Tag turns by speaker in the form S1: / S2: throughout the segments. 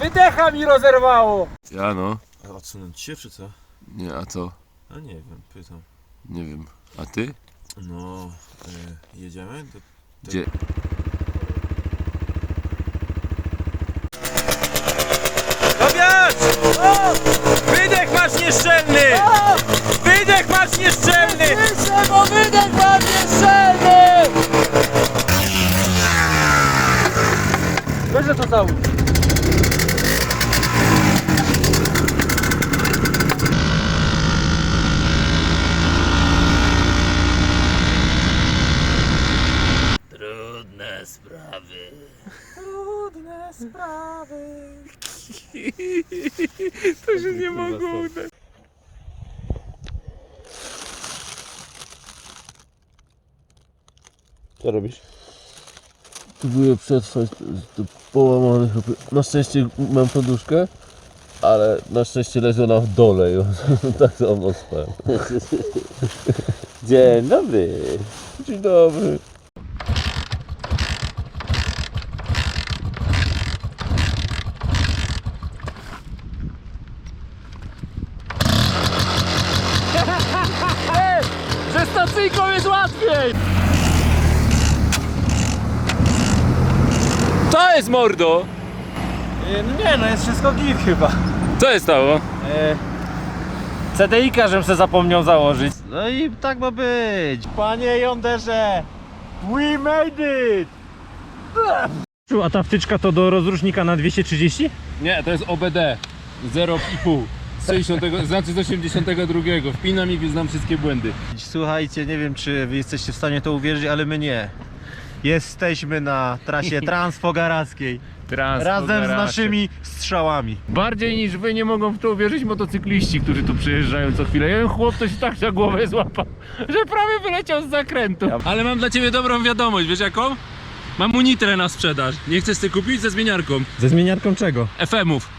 S1: Wydecha mi rozerwało!
S2: Ja no.
S3: A odsunąć się czy co?
S2: Nie, a co?
S3: A nie wiem, pytam.
S2: Nie wiem. A ty?
S3: No, jedziemy?
S2: Gdzie?
S1: Tobiasz! Wydech masz nieszczelny! Wydech masz nieszczelny! Piszę, bo wydech masz nieszczelny! Weź to cały.
S2: Trudne sprawy.
S1: Trudne sprawy.
S2: To się nie mogło udać.
S3: Co robisz?
S2: Próbuję przetrwać to połamane. Na szczęście mam poduszkę, ale na szczęście leży ona w dole i tak samo spałem.
S3: Dzień dobry.
S2: Dzień dobry.
S1: Ze stacyjką jest łatwiej!
S2: To jest mordo!
S1: No nie, no jest wszystko git chyba.
S2: Co jest stało?
S1: CDI-ka żem se zapomniał założyć. No i tak ma być. Panie jąderze, we made it! A ta wtyczka to do rozrusznika na 230?
S2: Nie, to jest OBD 0,5 z 60, znaczy z 82. Wpinam i wyznam wszystkie błędy.
S1: Słuchajcie, nie wiem czy wy jesteście w stanie to uwierzyć, ale my nie. Jesteśmy na trasie transfogarackiej. Razem z naszymi strzałami.
S2: Bardziej niż wy nie mogą w to uwierzyć motocykliści, którzy tu przyjeżdżają co chwilę. Jeden chłop to się tak za głowę złapał, że prawie wyleciał z zakrętu. Ale mam dla ciebie dobrą wiadomość, wiesz jaką? Mam unitrę na sprzedaż. Nie chcesz ty kupić? Ze zmieniarką.
S1: Ze zmieniarką czego?
S2: FM-ów.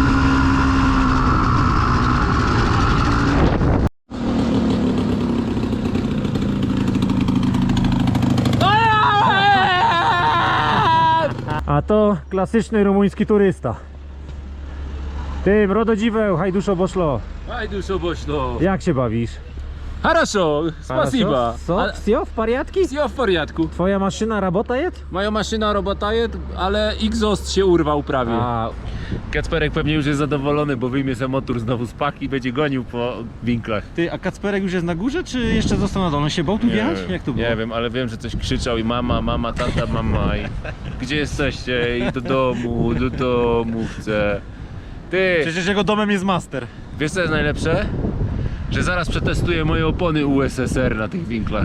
S1: A to klasyczny rumuński turysta. Ty, mrododziweł, hajduszo boszlo.
S2: Hajduszo bośno.
S1: Jak się bawisz?
S2: Хорошо, спасибо.
S1: Co? Wsio w pariatki?
S2: Все в порядku.
S1: Twoja maszyna robota jest?
S2: Moja maszyna robota jest, ale exhaust się urwał prawie.
S1: A,
S2: Kacperek pewnie już jest zadowolony, bo wyjmie sobie motor znowu z paki i będzie gonił po winklach.
S1: ty, a Kacperek już jest na górze, czy jeszcze został na dole? On się bał tu wjechać? Jak to było?
S2: Nie wiem, ale wiem, że coś krzyczał i mama, tata, mama i gdzie jesteście? I do domu chcę. Ty,
S1: Przecież jego domem jest master.
S2: wiesz co jest najlepsze? Że zaraz przetestuję moje opony USSR na tych winklach.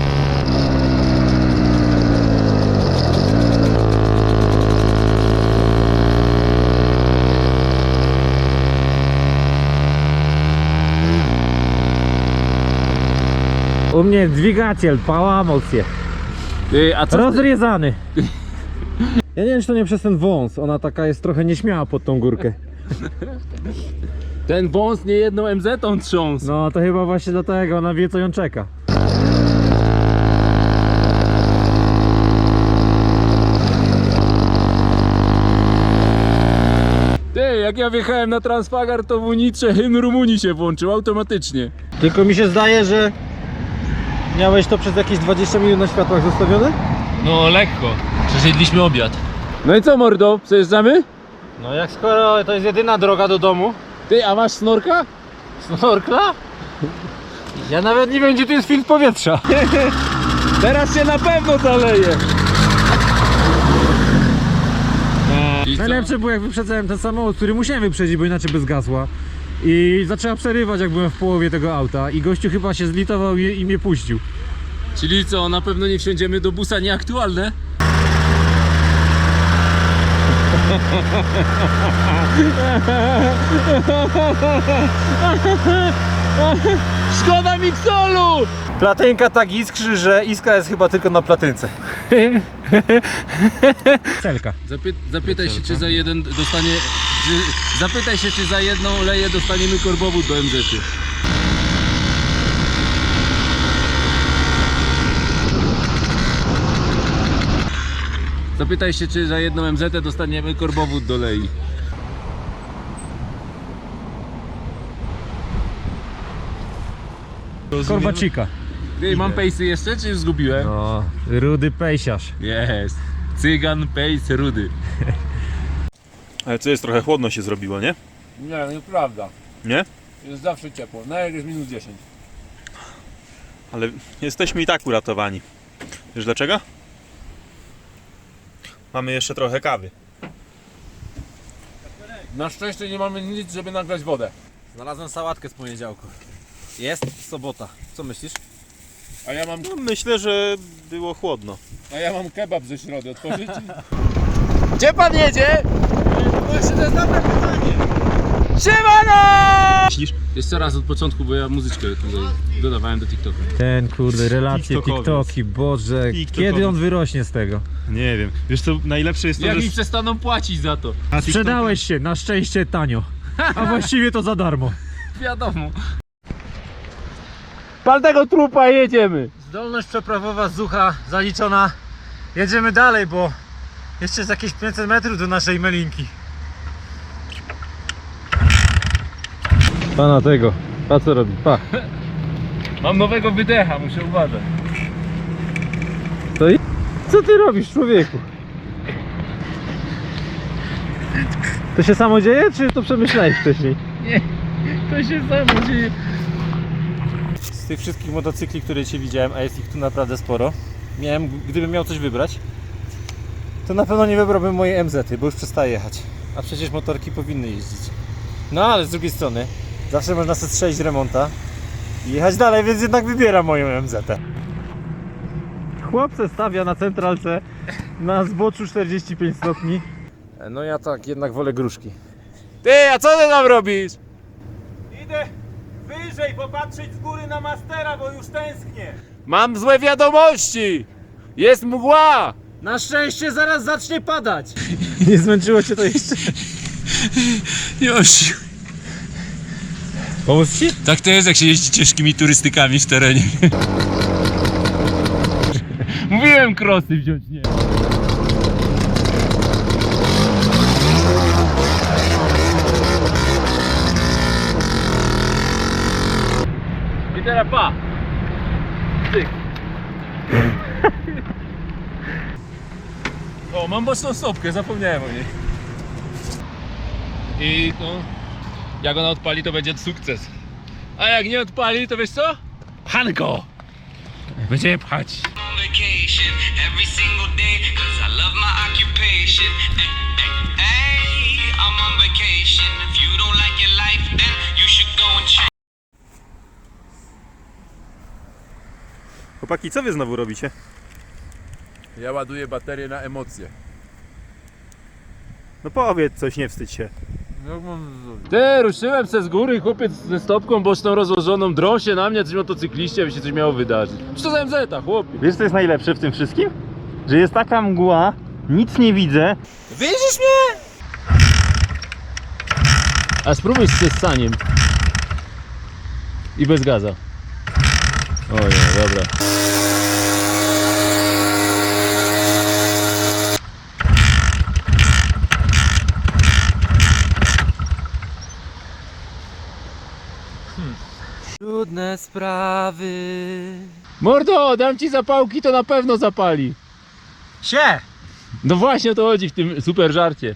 S1: U mnie dźwigaciel, pałamał się.
S2: Ty, a co?
S1: Rozrezany. Ja nie wiem, czy to nie przez ten wąs. Ona taka jest trochę nieśmiała pod tą górkę.
S2: Ten wąs nie jedną MZ-tą trząsł.
S1: No to chyba właśnie dlatego, ona wie co ją czeka.
S2: Ty, jak ja wjechałem na Transfagar, to w unitrze hymn Rumunii się włączył automatycznie.
S1: Tylko mi się zdaje, że miałeś to przez jakieś 20 minut na światłach zostawione?
S2: No lekko. Przesiedliśmy obiad. No i co mordo? Przejeżdżamy?
S1: No jak skoro to jest jedyna droga do domu.
S2: Ty, a masz snorka?
S1: Snorkla? Ja nawet nie wiem, gdzie tu jest filtr powietrza.
S2: Teraz się na pewno zaleje.
S1: Najlepsze było jak wyprzedzałem ten samochód, który musiałem wyprzedzić, bo inaczej by zgasła. I zaczęła przerywać jak byłem w połowie tego auta i gościu chyba się zlitował i mnie puścił.
S2: Czyli co, na pewno nie wsiądziemy do busa nieaktualne? Szkoda miksolu!
S1: Platynka tak iskrzy, że iskra jest chyba tylko na platynce. Celka.
S2: Zapytaj się, czy za jeden dostanie... Zapytaj się, czy za jedną leję dostaniemy korbowód do MZ-y. Zapytaj się, czy za jedną MZ dostaniemy korbowód do lei.
S1: Korbacika.
S2: Ty, mam pejsy jeszcze, czy już zgubiłem?
S1: No, rudy pejsiarz.
S2: Jest. Cygan, pejs, rudy.
S3: Ale co jest, trochę chłodno się zrobiło, nie?
S2: Nie, nieprawda.
S3: Nie?
S2: Jest zawsze ciepło. Nawet jest minus 10.
S3: Ale jesteśmy i tak uratowani. Wiesz dlaczego? Mamy jeszcze trochę kawy.
S2: Na szczęście nie mamy nic, żeby nagrać wodę.
S1: Znalazłem sałatkę z poniedziałku. Jest sobota. Co myślisz?
S2: A ja mam,
S3: No, myślę, że było chłodno.
S2: kebab ze środy. Otworzyć? Gdzie pan jedzie? Właśnie to jest dobre pytanie. Siemano!
S3: Myślisz?
S2: Jeszcze raz od początku, bo ja muzyczkę tutaj dodawałem do TikToka.
S1: Ten kurde, relacje,
S3: TikTokowiec.
S1: TikToki, Boże,
S3: TikTokowiec.
S1: kiedy on wyrośnie z tego?
S3: Nie wiem. Wiesz co, najlepsze jest to,
S2: Jak
S3: że...
S2: mi przestaną płacić za to?
S1: Sprzedałeś się, na szczęście tanio. A właściwie to za darmo.
S2: Wiadomo. Pal tego trupa, jedziemy!
S1: Zdolność przeprawowa Zucha zaliczona. Jedziemy dalej, bo jeszcze jest jakieś 500 metrów do naszej melinki. Pana tego, pa co robi, pa.
S2: Mam nowego wydecha, muszę uważać.
S1: To i... Co ty robisz, człowieku? To się samo dzieje, czy to przemyślałeś wcześniej?
S2: Nie, to się samo dzieje.
S1: Z tych wszystkich motocykli, które Cię widziałem, a jest ich tu naprawdę sporo, gdybym miał coś wybrać, to na pewno nie wybrałbym mojej MZ-y, bo już przestaje jechać. A przecież motorki powinny jeździć. No ale z drugiej strony, zawsze można sobie strzelić remonta i jechać dalej, więc jednak wybieram moją MZ-ę. Chłop se stawia na centralce na zboczu 45 stopni. No ja tak, jednak wolę gruszki.
S2: Ty, a co ty tam robisz?
S1: Idę wyżej popatrzeć z góry na Mastera, bo już tęsknię.
S2: Mam złe wiadomości! Jest mgła!
S1: Na szczęście zaraz zacznie padać. Nie zmęczyło Cię to jeszcze?
S2: Już.
S1: Pomóc Ci?
S2: Tak to jest, jak się jeździ ciężkimi turystykami w terenie. Mówiłem krosy wziąć, nie. I teraz pa! Tyk. O, mam boczną stopkę, zapomniałem o niej. I no, jak ona odpali, to będzie sukces. A jak nie odpali, to wiesz co? Hanko! Będziemy pchać.
S4: On vacation every single day, 'cause I love my occupation. Hey, I'm on vacation. If you don't like your life, then you should go and change.
S3: Chłopaki, co wy znowu robicie?
S2: Ja ładuję baterię na emocje.
S3: No powiedz coś, nie wstydź się.
S2: Ty, ruszyłem se z góry, chłopiec ze stopką boczną rozłożoną, drą się na mnie, coś motocykliście, aby się coś miało wydarzyć. Co to za MZ-a, chłopie?
S3: Wiesz co jest najlepsze w tym wszystkim? Że jest taka mgła, nic nie widzę.
S2: Widzisz mnie? A spróbuj z ssaniem. I bez gaza. O nie, dobra.
S1: Trudne sprawy.
S2: Mordo, dam ci zapałki, to na pewno zapali.
S1: Sie!
S2: No właśnie o to chodzi w tym super żarcie.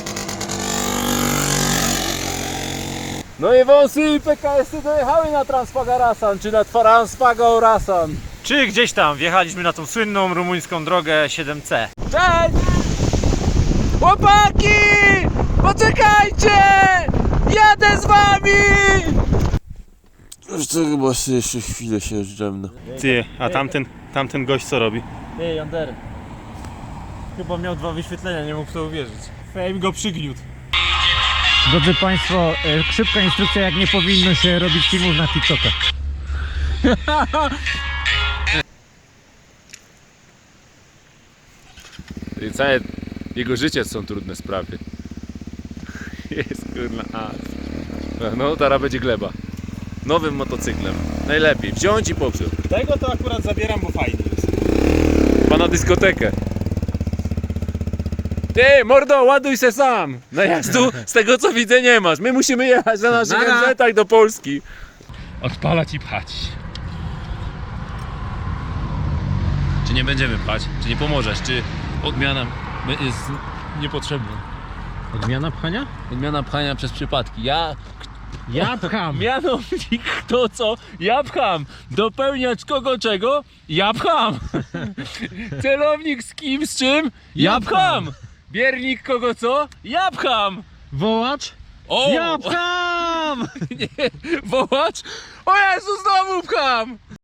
S2: No i wąsy i PKS-y dojechały na Transfagarasan, czy na Transfagarasan.
S1: Czy gdzieś tam wjechaliśmy na tą słynną rumuńską drogę 7C.
S2: Cześć! Chłopaki! Poczekajcie! Jadę z wami!
S3: Już to chyba jeszcze chwilę się zdrzemnę. Ty, a tamten gość co robi?
S1: Ej, Ander. Chyba miał 2 wyświetlenia, nie mógł w to uwierzyć. Fame go przygniótł. Drodzy Państwo, szybka instrukcja, jak nie powinno się robić filmów na TikToka.
S2: Całe jego życie są trudne sprawy. Jest kurna no teraz będzie gleba. Nowym motocyklem. Najlepiej wziąć i popsuć.
S3: Tego to akurat zabieram, bo fajnie jest.
S2: Pana dyskotekę. Ty, mordo, ładuj se sam! Najazdu z tego co widzę nie masz. My musimy jechać na naszych MZ-ach do Polski. Odpalać i pchać. Czy nie będziemy pchać? Czy nie pomożesz? Czy odmiana jest niepotrzebna?
S1: Odmiana pchania?
S2: Odmiana pchania przez przypadki. Ja
S1: pcham!
S2: mianownik to co? Ja pcham! Dopełniać kogo czego? Ja pcham! Celownik z kim, z czym? Ja pcham! Biernik kogo co? Ja pcham!
S1: Wołacz?
S2: O!
S1: Ja pcham!
S2: Nie, wołacz? O Jezu, znowu pcham!